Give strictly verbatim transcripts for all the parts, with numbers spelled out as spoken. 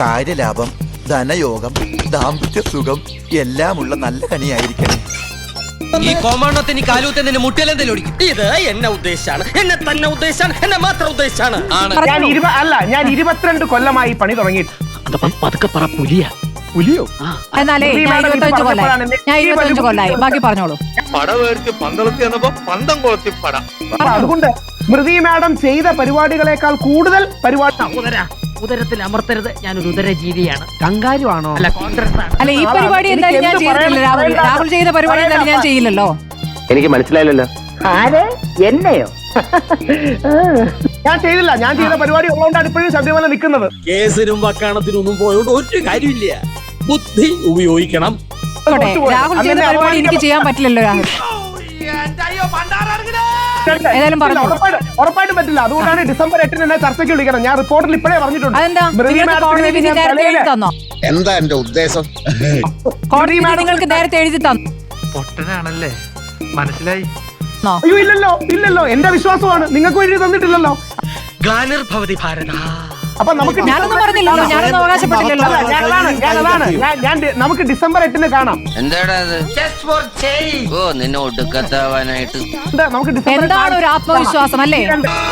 കാര്യലാഭം, ധനയോഗം, ദാമ്പത്യ സുഖം എല്ലാമുള്ള നല്ല കണിയായിരിക്കണം. ഈ കോമാണ്ടത്തിന് കാലൂത്തന്നെ മുട്ടിലെന്തെങ്കിലും ഓടിക്കും. ഇത് എന്നെ ഉദ്ദേശാണ്, എന്നെ തന്നെ ഉദ്ദേശാണ്, എന്നെ മാത്രം ഉദ്ദേശാണ്. ഞാൻ ഇരുപ അല്ല ഞാൻ ഇരുപത്തിരണ്ട് കൊല്ലമായി പണി തുടങ്ങിയിട്ട്. പതുക്കെ പറ പുലിയ പുലിയോ? എന്നാലേ ഞാൻ ഇരുപത്തഞ്ച് കൊല്ലായി ഞാൻ ഇരുപത്തഞ്ച് കൊല്ലായി ബാക്കി പറഞ്ഞോളൂ. പട വേർച്ച് പന്തളത്തി എന്നപ്പോ പന്തം കൊളത്തി പട. അതുകൊണ്ട് സ്മൃതി മാഡം ചെയ്ത പരിപാടികളെക്കാൾ കൂടുതൽ പരിപാടി ഉദരത്തിൽ അമർത്തരുത്. ഞാനൊരു ഉദരജീവിയാണ്. കങ്കാരുവാണോ? അല്ല, കോൺഗ്രസ് ആണ്. അല്ല, ഈ പരിപാടി എന്തായാലും ഞാൻ ചെയ്തിട്ടില്ല. രാഹുൽ രാഹുൽ ചെയ്ത പരിപാടി എന്തായാലും ഞാൻ ചെയ്യില്ലല്ലോ. എനിക്ക് മനസ്സിലായില്ലല്ലോ. ആര്? എന്നെയോ? ഞാൻ ചെയ്തില്ല. ഞാൻ ചെയ്ത പരിപാടി ഉള്ളതുകൊണ്ടാണ് ഇപ്പോഴും ശബരിമല നിൽക്കുന്നത്. കേസിനും വക്കാണത്തിനും ഒന്നും പോയോണ്ട് ഒരു കാര്യമില്ല. ബുദ്ധി ഉപയോഗിക്കണം. രാഹുൽ ചെയ്ത പരിപാടി എനിക്ക് ചെയ്യാൻ പറ്റില്ലല്ലോ. രാഹുൽ ഏതായാലും പറഞ്ഞു ഉറപ്പായിട്ടും പറ്റില്ല. അതുകൊണ്ടാണ് ഡിസംബർ എട്ടിന് എന്നെ ചർച്ചയ്ക്ക് വിളിക്കണം. ഞാൻ റിപ്പോർട്ടിൽ ഇപ്പോഴേ പറഞ്ഞിട്ടുണ്ട്. അതെന്താ കോടതി വിധി നേരത്തെ എഴുതി തന്നോ? എന്താ എന്റെ ഉദ്ദേശം? കോടതി നിങ്ങൾക്ക് നേരത്തെ എഴുതി തന്നു. പൊട്ടനാണല്ലേ, മനസ്സിലായി. അയ്യോ ഇല്ലല്ലോ, ഇല്ലല്ലോ. എന്റെ വിശ്വാസമാണ്. നിങ്ങൾക്ക് എഴുതി തന്നിട്ടില്ലല്ലോ. ഗ്ലാനിർഭവതി ഭാരത. അപ്പൊ നമുക്ക് ഞാനൊന്നും പറഞ്ഞില്ലല്ലോ, ഞാനൊന്നും അവകാശപ്പെട്ടില്ലല്ലോ. നമുക്ക് ഡിസംബർ എട്ടിന് കാണാം. എന്താടാ ഓ നിന്നെ ഒടുക്കത്താവാനായിട്ട് നമുക്ക് ഡിസംബർ എന്താണ് ഒരു ആത്മവിശ്വാസം അല്ലേ?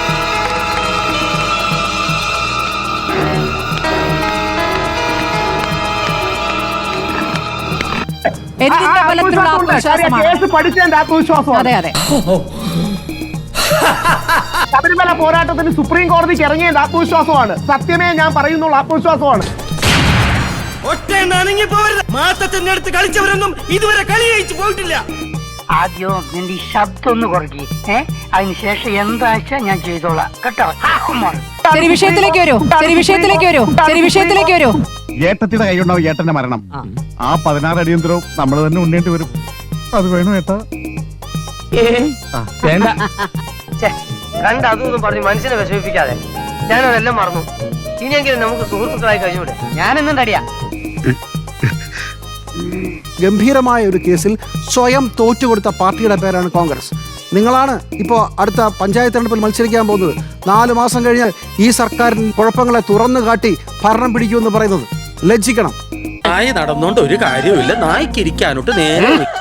എന്തിന്റെ ബലത്തിലുള്ള ആത്മവിശ്വാസമാണ്? പഠിച്ചതിന്റെ ആത്മവിശ്വാസമാണ്. അതെ അതെ. ശബരിമല പോരാട്ടത്തിന് സുപ്രീം കോടതിക്ക് ഇറങ്ങിയതിന്റെ ആത്മവിശ്വാസമാണ്. സത്യമേ ഞാൻ പറയുന്നുള്ള ആത്മവിശ്വാസമാണ്. മാസത്തിന്റെ അടുത്ത് കളിച്ചവരൊന്നും ഇതുവരെ കളി ജയിച്ചു പോയിട്ടില്ല. ആദ്യം നിന്റെ ഈ ശബ്ദം ഒന്ന് കുറയ്ക്ക്. ഏഹ് അതിനുശേഷം എന്താഴ്ച ഞാൻ ചെയ്തോളാം കേട്ടോ. ശരി, വിഷയത്തിലേക്ക് വരൂ. ശരി, വിഷയത്തിലേക്ക് വരൂ. ശരി, വിഷയത്തിലേക്ക് വരൂ. ഏട്ടത്തിന്റെ കൈയുണ്ടാവും ഏട്ടന്റെ മരണം. ആ പതിനാറ് അടിയന്തരവും നമ്മൾ തന്നെ ഉണ്ണേണ്ടി വരും. അത് വേണോ ഏട്ടാ? വേണ്ട. കണ്ട അതൊന്നും പറഞ്ഞ് മനുഷ്യനെ വിഷമിപ്പിക്കാതെ. ഞാനതെല്ലാം മറന്നു. ഇനിയെങ്കിലും നമുക്ക് സുഹൃത്തുക്കളായി കഴിഞ്ഞൂടെ? ഞാനെന്നും തടിയാ. ഗംഭീരമായ ഒരു കേസിൽ സ്വയം തോറ്റുകൊടുത്ത പാർട്ടിയുടെ പേരാണ് കോൺഗ്രസ്. നിങ്ങളാണ് ഇപ്പോൾ അടുത്ത പഞ്ചായത്ത് തെരഞ്ഞെടുപ്പിൽ മത്സരിക്കാൻ പോകുന്നത്. നാല് മാസം കഴിഞ്ഞാൽ ഈ സർക്കാരിന് കുഴപ്പങ്ങളെ തുറന്നു കാട്ടി ഭരണം പിടിക്കുമെന്ന് പറയുന്നത് ലജ്ജിക്കണം. നായ നടന്നോണ്ട് ഒരു കാര്യമില്ല. നായ്ക്കിരിക്കാനോട്ട് നേരെ